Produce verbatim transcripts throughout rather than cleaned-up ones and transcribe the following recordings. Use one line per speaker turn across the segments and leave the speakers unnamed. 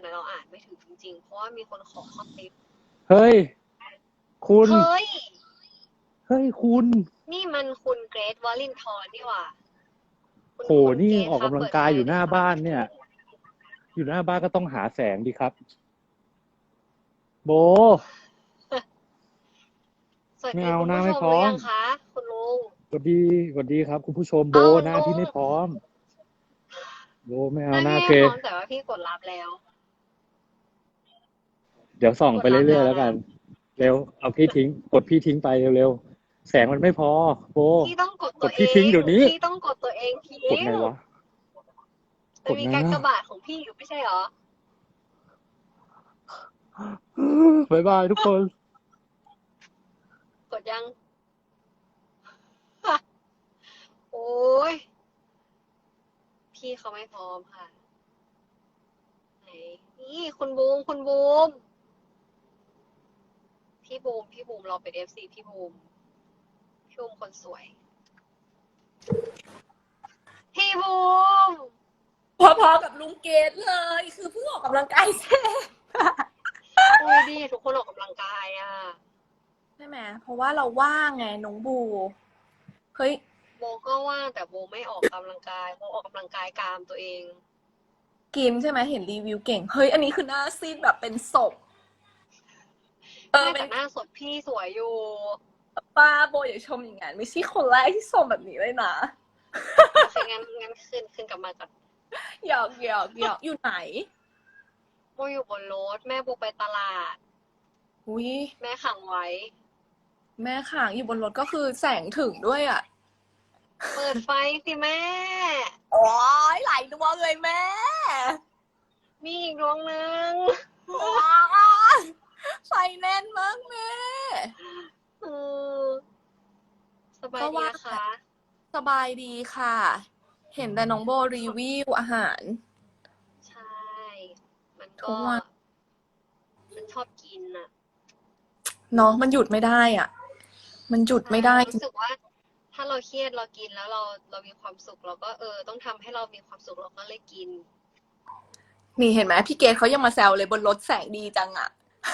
นะเราอ่านไม่ถึงจริงๆเพราะว่ามีคนขอข้อติป
เฮ้ยคุณ
เฮ้ย
เฮ้ยคุณ
นี่มันคุณเกรทวอลลินทรนี่หว่าคุณ
โห
คุณ
นี่
เกรท
ออกกำลัง
ครับเปิด
กายอยู่หน้า
ไฟเลยครับ
บ้านเนี่ย อยู่หน้าบ้านก็ต้องหาแสงดีครับ โบ
สวัส
ไม่เอาหน้า
ดีคุณผู้ช
ไม่พร้อม
มหรือยังคะคุณลุง
สวัสดีสวัสดีครับคุณผู้ชมโบ
เอา
หน้า
ลุง
พี่ไม่พร้อมโบไม่เอา
ได้
หน้าโอเค
พี่พร้อมแต่ว่าพี่กดรับแล้ว
เดี๋ยวส่อง
ก
ไป
ดรับ
เรื่
แล้วนะ
อยๆแล้วกันเร็วเอาพี่ทิ้งกดพี่ทิ้งไปเร็วๆแสงมันไม่พอโบ
พี่ต้องกด
ก
ตัวเอ
ดพี่ทิ้ง
ง
เดี๋ยวนี้
พี่ต้องกดตัวเอง
ก
ทิ้ง
ดไงวะก
มัน
ดไงอ่ะ
มีการกระบาดของพี่อยู่ไม่ใช่เหรอ
บายบายทุกคน
กดยัง โอ้ยพี่เขาไม่พร้อมค่ะไหนนี่คุณบูมคุณบูมพี่บูมพี่บูมเราเป็นเอฟซีพี่บูมพี่บูมคนสวยพี่บูม
พอๆกับลุงเกดเลยคือเพิ่งออกกำลังกายเสร็จ
อุ้ยดีทุกคนออกกำลังกายอ่ะ
ใช่ไหมเพราะว่าเราว่างไงน้องบูเฮ้ย
โบก็ว่างแต่โบไม่ออกกำลังกายโบออกกำลังกายกามตัวเอง
กินใช่ไหมเห็นรีวิวเก่งเฮ้ยอันนี้คือหน้าซีดแบบเป็นศพเออ
ไม่
เป็น
แต่หน้าสดพี่สวยอยู่
ป้าโบอย่าชมอย่างนั้นไม่ใช่คนแรกที่ชมแบบนี้เลยนะ
โอเคงั้นงั้นคืนคืนกลับมาก่อน
หยอกหยอกหยอกอยู่ไหน
โบอยู่บนรถแม่โบไปตลาด
อุ้ย
แม่ขังไว้
แม่ข่างอยู่บนรถก็คือแสงถึงด้วยอ่ะ
เปิดไฟสิแม่
โอ้ยหลายดวงเลยแม่
มีอีกดวงหนึ่ง
ว้าวไฟแน่นมากแม่
เออสบายดีนะคะ
สบายดีค่ะ เห็นแต่น้องโบรีวิวอาหาร
ใช่ มัน
ทุ
ก็
กวัน
มันชอบกินอ่ะ
น้องมันหยุดไม่ได้อ่ะ มันหยุดไม่ได้
รู้สึกว่า ถ้าเราเครียดเรากินแล้วเราเรามีความสุขเราก็เออ ต้องทำให้เรามีความสุขเราก็เลยกิน
นี่เห็นไหมพี่เกดเขายังมาแซวเลยบนรถแสงดีจังอ่ะ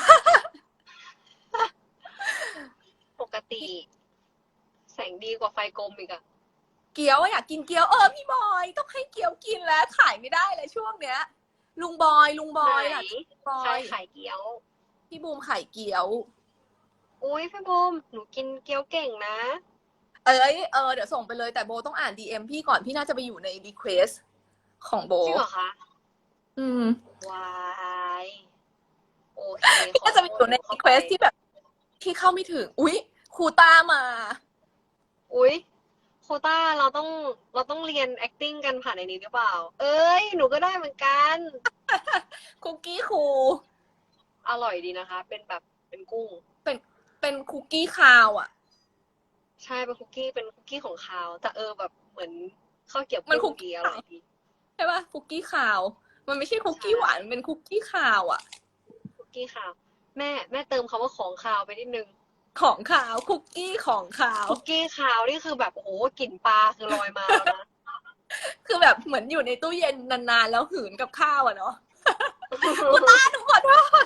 ปกติ แสงดีกว่าไฟกลมอีกอะ
เกี๊ยวอะอยากกินเกี๊ยวเออพี่บอยต้องให้เกี๊ยวกินแล้วขายไม่ได้เลยช่วงเนี้ย ลุงบอยลุงบอย
ไหน
ล่ะบอ
ใคร
ย
ขายเกี๊ยว
พี่บูมขายเกี๊ยว
อุ้ยพี่บูมหนูกินเกี๊ยวเก่งนะ
เอ้ยเออเดี๋ยวส่งไปเลยแต่โบต้องอ่านดีเอ็มพี่ก่อนพี่น่าจะไปอยู่ในรีเควสของโบ
จริงเหรอคะ
อืม
วายโอเค
พี่ก็จะไปอยู่ในรีเควสที่แบบที่เข้าไม่ถึงอุ๊ยครูต้ามา
อุ้ยโควต้าเราต้องเราต้องเรียน acting กันผ่านในนี้หรือเปล่า เอ้ยหนูก็ได้เหมือนกัน
คุกกี้ครู
อร่อยดีนะคะ เป็นแบบเป็นกุ้ง
เป็นเป็นคุกกี้คาวอ่ะ
ใช่เป็นคุกกี้เป็นคุกกี้ของคาวแต่เออแบบเหมือนข้าวเกรี๊ยว
มันคุ
กุ้ง
กกี้
ดีอร่อยดี
ใช่ป่ะคุกกี้คาว มันไม่ใช่คุกกี้
ใช่
หวานมันเป็นคุกกี้คาวอ่ะ
คุกกี้คาว แม่แม่เติมคำว่าของคาวไปนิดนึง
ของคาวคุกกี้ของคาว
คุกกี้คาวนี่คือแบบโอ้โหกลิ่นปลาคือลอยมาแล้วนะ
คือแบบเหมือนอยู่ในตู้เย็นนานๆแล้วหืนกับข้าวอ่ะเนาะ ครูต้าหนูขอโทษ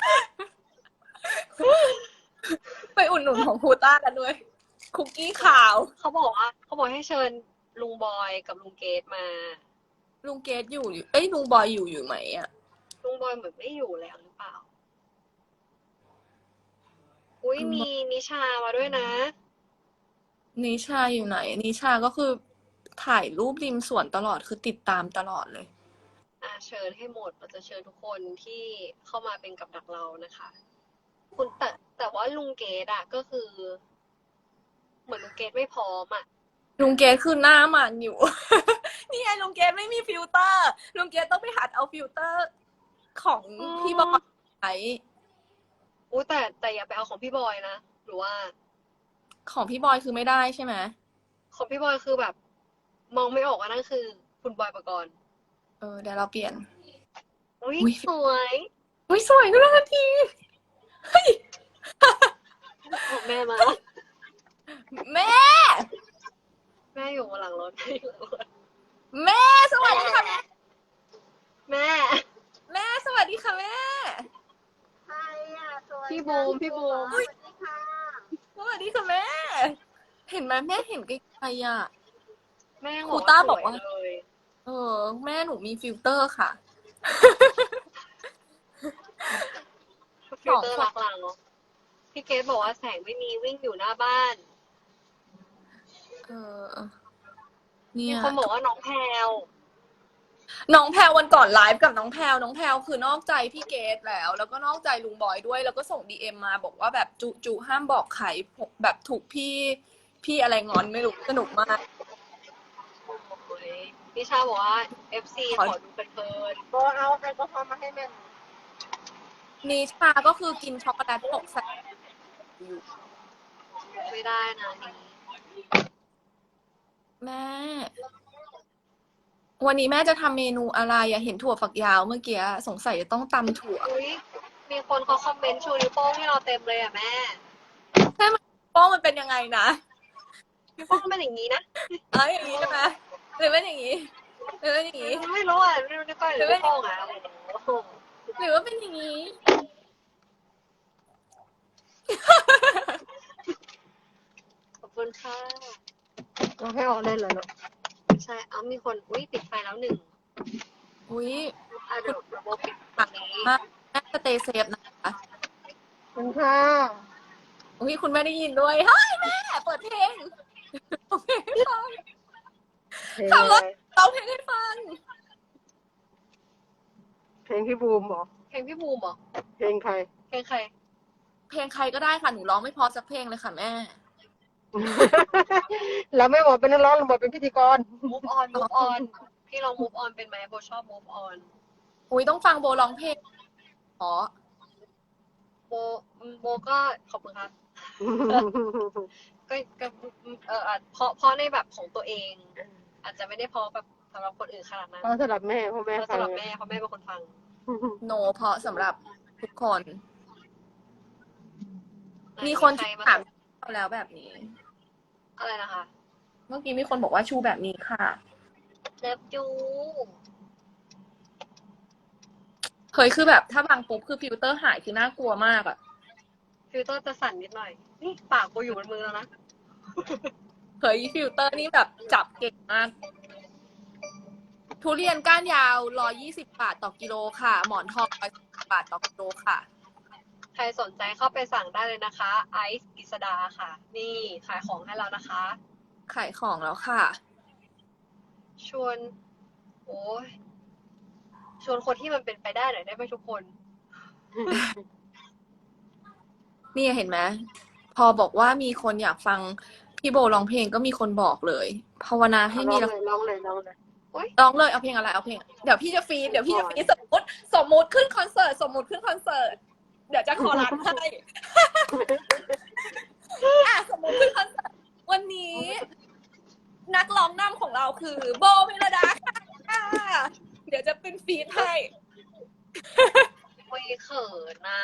ไปอุดหนุนของครูต้ากันด้วย คุกกี้ขาว
เขาบอกว่าเขาบอกให้เชิญลุงบอยกับลุงเกดมา
ลุงเกดอยู่อยู่เอ้ยลุงบอยอยู่อยู่ไหมอ่ะ
ลุงบอยเหมือนไม่อยู่แล้วหรือเปล่า อุ้ยมีนิชามาด้วยนะ
นิชาอยู่ไหน นิชาก็คือถ่ายรูปริมสวนตลอดคือติดตามตลอดเลย
อ่าเชิญให้หมดเราจะเชิญทุกคนที่เข้ามาเป็นกับดักเรานะคะ คุณแต่แต่ว่าลุงเกดอะก็คือ เหมือนลุงเกดไม่พร้อมอะ
ลุงเกดคือหน้ามันอยู่ นี่ไงลุงเกดไม่มีฟิลเตอร์ ลุงเกดต้องไปหัดเอาฟิลเตอร์ ของพี่บอยใช้
อุ้ยแต่แต่อย่าไปเอาของพี่บอยนะหรือว่า
ของพี่บอยคือไม่ได้ใช่ไหม
ของพี่บอยคือแบบ มองไม่ออกว่านั่นคือ คุณบอยปกรณ์
เออเดี๋ยวเราเปลี่ยน
อุ้ย
อุ๊ย
สวย
อุ้ยสวยขึ้นทันที
ของแม่มา
แม่
แม่อยู่บนหลังรถแม่อยู่หลังรถ
แม่สวัสดีค่ะ
แม่
แม่สวัสดี
พี่บูมพี่บูม
สวัสดีค่ะแม่ เห็นไหมแม่เห็นไกลๆอ่ะ
แม่
ครูต้าบอกว่า
สยเลย
เออ แม่หนูมีฟิลเตอร์ค่ะ
ฟิลเตอร์รักเราพี่เกดบอกว่าแสงไม่มีวิ่งอยู่หน้าบ้าน
เออ เนี่
มี
ย
คนบอกว่าน้องแพรว
น้องแพลววันก่อนไลฟ์กับน้องแพลวน้องแพลวคือนอกใจพี่เกดแล้ว แล้วก็นอกใจลุงบอยด้วย แล้วก็ส่งดีเอ็มมาบอกว่าแบบจุจุห้ามบอกใครแบบถูกพี่พี่อะไรงอนไม่รู้สนุกมาก
โอ้ยพี่ชาบอกว่า เอฟ ซี ขอดูเพลิน
ก็เอาแอลกอฮอล์มาให้แม่
นิชาก็คือกินช็อกโกแลตตกใส่อยู่
ๆไม่ได้นะนี่
แม่ วันนี้แม่จะทำเมนูอะไรอะเห็นถั่วฝักยาวเมื่อกี้สงสัยจะต้องตำถั่ว
อุ้ยมีคนเขาคอมเมนต์ชูนิ้วโป้งให้เราเต็มเลยอ่ะแม่
แม่มันโป้งมันเป็นยังไงนะ
นิ้วโป้งเป็นอย่างนี้นะ
เอ้ยอย่างนี้ใช่ไหมหรือเป็นอย่างนี้หรือเป็นอย่างนี้
ไม่รู้อ่ะไม่รู้นิ้วก้อยหรือนิ้วโป้งอ่ะโอ้โห
หรือว่าเป็นอย่างนี้
ขอบคุณค่ะ
เราให้ออกได้เลยเนาะ
ใช่ เอามีคน อุ้ยปิดไฟแล้วหนึ่ง
อุ้ย
อ่ะเดี๋ยวโบปิดตรงนี้
มากแม่สเตย์เซฟนะคะ
คุณค่ะ
อุ้ยคุณแม่ได้ยินด้วยเฮ้ยแม่เปิดเพลงโอเคฟัง
เพลง
ขับ
อะ
ร
ไร
ถร้องเพลงให้ฟัง
เพลงพี่บูมเหรอ
เพลงพี่บูมเหรอ
เพลงใคร
เพลงใคร
เพลงใครก็ได้ค่ะหนูร้องไม่พอสักเพลงเลยค่ะแม่
แล้วไม่บอกเป็นนักร้องหรือบอกเป็นพิธีกร
move on move on พี่ลอง move on เป็นไหมโบชอบ move on
อุ้ยต้องฟังโบร้องเพลงอ๋อ
โบโบก็ขอบคุณครับ ก็ก็เอออาจเพราะเพราะในแบบของตัวเอง อาจจะไม่ได้เพราะแบบสำหรับคนอื่นขนาดนั้น
เพราะสำหรับแม่เพราะแม่
เพราะ
ฟัง
สำหรับแม่เพราะแม่เป็นคนฟัง
โนเพราะสำหรับทุกคน มีคน
ใครมา
ถามเราแล้วแบบนี้
อะไรนะคะ
เมื่อกี้มีคนบอกว่าชูแบบนี้ค่ะ
เล็บจู
เฮ้ยคือแบบถ้าบางปุ๊บคือฟิลเตอร์หายคือน่ากลัวมากอะ
ฟิลเตอร์จะสั่นนิดหน่อย นี่ปากโบอยู่บนมือแล้วนะ
เฮ้ยฟิลเตอร์นี่แบบจับเก่งมาก ทุเรียนก้านยาวร้อยยี่สิบบาทต่อกิโลค่ะ หมอนทองร้อยสิบบาทต่อกิโลค่ะ
ใครสนใจเข้าไปสั่งได้เลยนะคะ ไอซ์กิษดาค่ะ นี่ขายของให้เรานะคะ
ขายของแล้วค่ะ
ชวน โอ้ยชวนคนที่มันเป็นไปได้หน่อยได้ไหมทุกคน
นี่เห็นไหมพอบอกว่ามีคนอยากฟังพี่โบร้องเพลงก็มีคนบอกเลยภาวนาให้
ร้
มี
อง
ละ
เลยร้องเลยร้องเลย
ร้องเลยเอาเพลงอะไรเอาเพลงเดี๋ยวพี่จะฟีดเดี๋ยวพี่จะฟีดสมมติสมมติขึ้นคอนเสิร์ตสมมติขึ้นคอนเสิร์ตเดี๋ยวจะขอรันให้ อ่ะสมมติขึ้นคอนเสิร์ตวันนี้ นักร้องนำของเราคือโบเมลดาค่ะเดี๋ยวจะเป็นฟีดให้
โอ้ยเขินนะ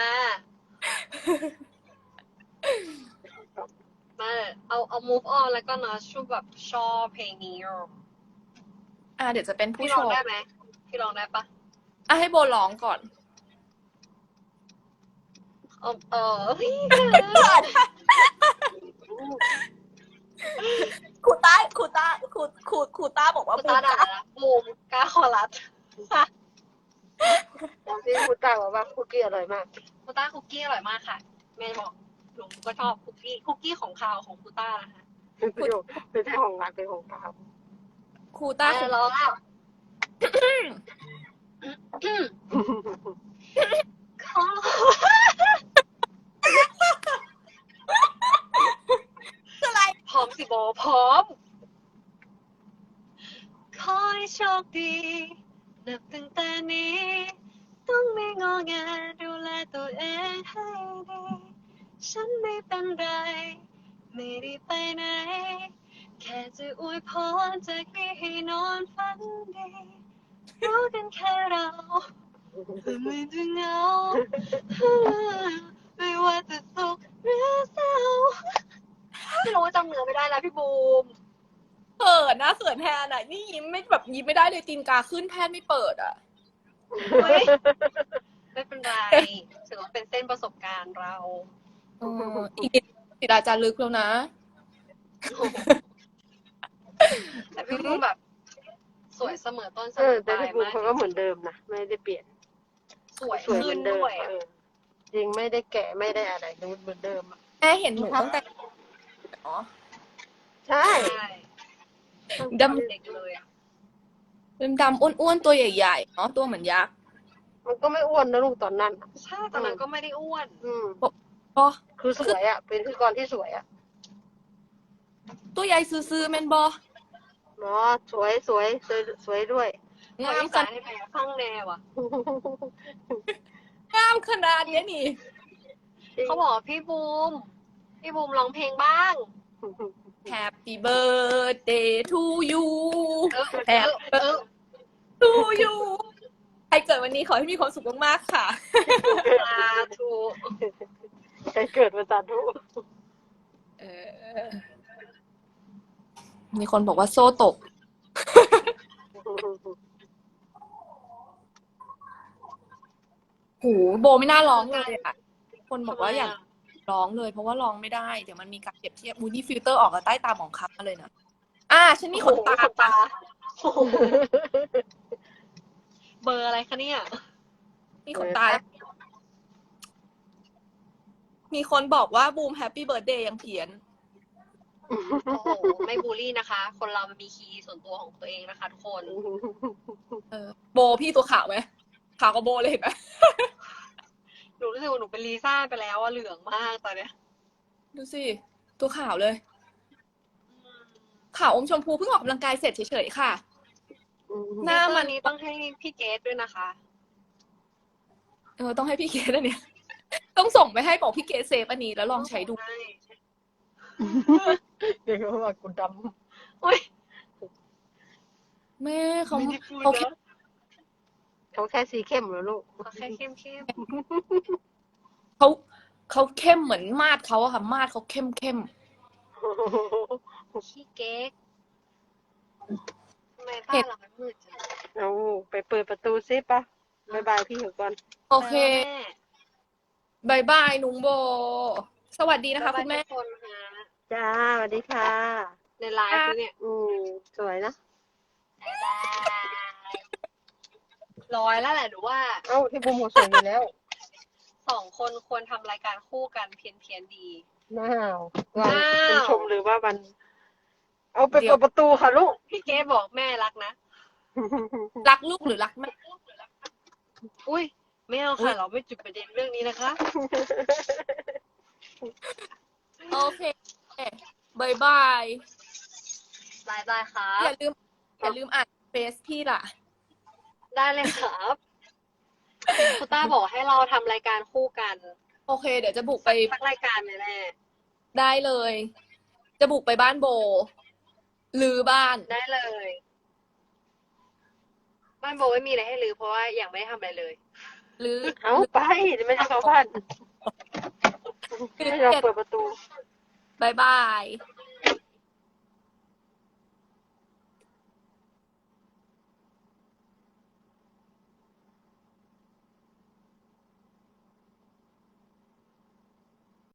มาเอาเอา move on แล้วก็นะชูแบบชอบเพลงนี้อ่ะ
อ่ะเดี๋ยวจะเป็นผู้
พี่
ช
ร้อง
ม
ได้ไหมพี่ร้องได้ปะ
อ่ะให้โบร้องก่อน
เออเออเฮ้ย
ครูต้าครูต้าครูครูครูต้าบอกว่า
คุณตาด่าละบูมกล้าคอรัส
ที่คุณตาบอกว่าคุกกี้อร่อยมาก
คุณต้าคุกกี้อร่อยมากค่ะ แม่บอกหนูก็ชอบคุกกี้คุกกี้ของคาวของคุณต้านะคะ
เป็นประโยชน์เป็นแค่ของรักเป็นของตา
ครูต้า
อ่ะร้องอ่ะขอ
อะไร
พร้อมสิโบพร้อม ขอให้โชคดี นับตั้งแต่นี้ ต้องไม่งอแงดูแลตัวเองให้ดี ฉันไม่เป็นไร ไม่ได้ไปไหน แค่จะอวยพรจากนี้ให้นอนฝันดี รู้กันแค่เราไม่จะเหงา ไม่ว่าจะสุขหรือเศร้าไม่รู้ว่าจำเนื้อไม่ได้แล้วพี่บูม
เขินนะเขินแทนอ่ะนี่ยิ้มไม่แบบยิ้มไม่ได้เลยตีนกาขึ้นแทนไม่เปิดอ่ะ
เฮ้ยไม่เป็นไรถือว่าเป็นเส้นประสบการณ์เรา
เอออีกนิดศิลาจารึกแล้วนะ
แต่พี่บูมแบบ สวยเสมอต้นเส
เอ
ม
อ
อป
แต่
ลาย
พี่บูม
มาก
เขาก็เหมือนเดิมนะไม่ได้เปลี่ยน
สวย
สวยเห
ขึ้
มือน นเดิม
ด้วย
เออจริงไม่ได้แก่ไม่ได้อะไรดูเหมือนเดิมอะ
แม่เห็นหนูตั้งแต่เนาะ
ใช่
ใช่
ด
เด็กเลยอะ
ำดำๆอ้วนๆตัวใหญ่ๆเนาะตัวเหมือนยักษ์
มันก็ไม่อ้วนนะลูกตอนนั้นอะ
ใช่ตอนนั้นก็ไม่ได้อ้วน
อืม
ก็
คือสวยอ่ะ เป็นพิธีกรที่สวยอ่ะ
ตัวใหญ่ซื่อๆแม่นบอ
เนาะสวยสวยสวยสวยด้วย
งาม
อี
ข
สาน
นาด
ให้แพ้ข้างแนวอ่ะ
งามขนาดเนี้ยนี่
เขาบอกว่าพี่บูม พี่บูมร้องเพลงบ้าง
Happy birthday to you
เออ
แฮ
เอ
ป
อเออ
to you ใครเกิดวันนี้ขอให้มีความสุขมากๆค่ะ
สาธุ
ใครเกิดมาสาธุ
เออมีคนบอกว่าโซ่ตก หูโบไม่น่าร้องเลยอ่ะ คนบอกว่าอยากร้องเลย เพราะว่าร้องไม่ได้ เดี๋ยวมันมีการเปรียบเทียบมูนี่ฟิลเตอร์ออกกับใต้ตาหมองคล้ำมาเลยนะอ่าฉันมีขนตา
ขนตาโอ้โหเบอร์อะไรคะเนี่ย
มีขนตา มีคนบอกว่าบูมแฮปปี้เบิร์ดเดย์ยังเพี้ยน
โอ้โห ไม่บูลลี่นะคะ คนเรามันมีคีย์ส่วนตัวของตัวเองนะคะทุกคน
เออโบพี่ตัวขาวไหมขาวกว่าโบเลยเห็นไหม
หนูรู้สึกว่าหนูเป็นลีซ่าไปแล้วอะเหลืองมากตอนเนี้ย
ดูสิ ตัวขาวเลย ขาวอมชมพูเพิ่งออกกำลังกายเสร็จเฉยๆค่ะ หน้ามัน
นี้ต้องให้พี่เกดด้วยนะคะ
เออต้องให้พี่เกดอันเนี้ย ต้องส่งไปให้บอกพี่เกดเซฟอันนี้แล้วลองใช้ดู
ใช่
เดี๋ยวเขาบอกกูด
โอ้ย
แม่เขา
ไม่ได้พูด
เขา
แล้
แค่
ว
ำเขาแค่สีเข้มเหรอลูก
เขาแค่เข้มเข้ม
เขาเขาเข้มเหมือนมาดเขาอะค่ะ มาดเขาเข้มเข้ม
ๆขี้เก๊กทำไมบ้านเรามันมืดจัง
เอาไปเปิดประตูซิปะบายบายพี่เหอะก่อน
โอเค
แม่
บายบายนุงโบ สวัสดีนะคะคุณแม่
บ๊ายบายทุกคนฮะ
จ้าสวัสดีค่ะ
ในไลฟ์ด้วยเนี่ย
อืมสวยนะ
บ๊ายบายร้อยแล้วแหละหรือว่า
เอ้าพี่บูมหัวสวยอยู่แล้ว
สองคนควรทำรายการคู่กันเพี้ยนเพียนๆดี
น้าวว่า
อ้าว
เป็นชมหรือว่ามัน เอาไป
เดี๋ยว
เปิดประตูค่ะลูก
พี่เกดบอกแม่รักนะ
รักลูกหรือรักแม่
อุ้ยไม่เอา
อุ๊
ค่ะ
ย
เราไม่จุดประเด็นเรื่องนี้นะคะ
โอเคบายบาย
บายบายครั
อบ ย่าลืมอย่าลืมอ่านเฟซพี่ล่ะ
ได้เลยครับคุณต้าบอกให้เราทำรายการคู่กัน
โอเค เดี๋ยวจะบุกไป
สักรายการเลยแหละ
ได้เลย จะบุกไปบ้านโบหรือบ้าน
ได้เลย บ้านโบไม่มีอะไรให้ลือเพราะว่ายังไม่ได้ทำอะไรเลย
หรือ
เอาไปเดี๋ยวไม่ใช่เขาพัน
หรือ
ให้เราเปิดประตู
บายบาย